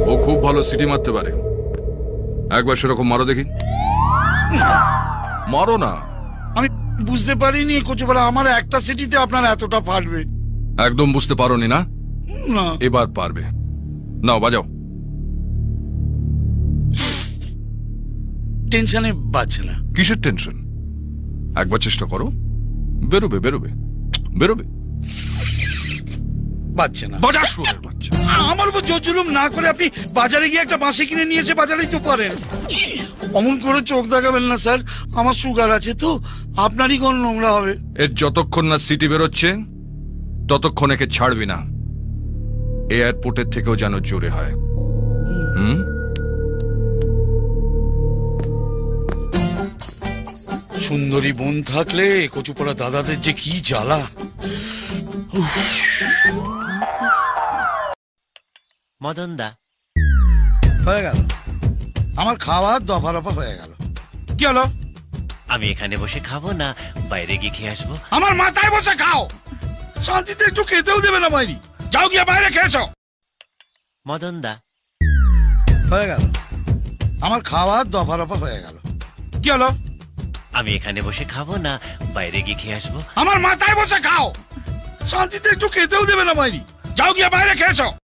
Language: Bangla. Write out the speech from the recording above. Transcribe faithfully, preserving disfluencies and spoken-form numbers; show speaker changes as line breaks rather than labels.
ও খুব ভালো সিটি মারতে পারে, একবার সেরকম মারো দেখি। মারো না।
আমি বুঝতে পারিনি কচুপাড়া আমার একটা সিটিতে আপনার এতটা ফাটবে।
একদম বুঝতে পারোনি না?
না
এবার পারবে। নাও বাজাও।
টেনশনে বাজছে না।
কিসের টেনশন? একবার চেষ্টা করো, বেরোবে বেরোবে বেরোবে।
বাজছে না।
বাজার শুরু বাচ্চা।
আমার উপর জোর জুলুম না করে আপনি বাজারে গিয়ে একটা বাঁশি কিনে নিয়ে এসে বাজারেই তো পারেন। অমন করে চোখ দেখাবেন না স্যার, আমার সুগার আছে তো, আপনারই কোন নোংরা হবে।
এর যতক্ষণ না সিটি বেরোচ্ছে ততক্ষণ একে ছাড়বি না। এয়ারপোর্টের থেকেও যেন জোরে হয়। হুম।
সুন্দরী বোন থাকলে কচুপাড়া দাদাদের যে কি জ্বালা।
মদন দা,
হয়ে গেল আমার খাওয়া, দফা রফা হয়ে গেল। কি হলো?
আমি এখানে বসে খাবো না বাইরে গিয়ে খেয়ে আসবো?
আমার মাথায় বসে খাও, শান্তিতে একটু খেতেও দেবে না বাইরে। যাও গিয়ে বাইরে খেয়েছো।
মদন দা,
হয়ে গেল আমার খাওয়া, দফা রফা হয়ে গেল। কি হলো?
আমি এখানে বসে খাবো না বাইরে গিয়ে খেয়ে আসবো?
আমার মাথায় বসে খাও, শান্তিতে একটু খেতেও দেবে না বাইরে। যাও গিয়ে বাইরে খেয়েছো।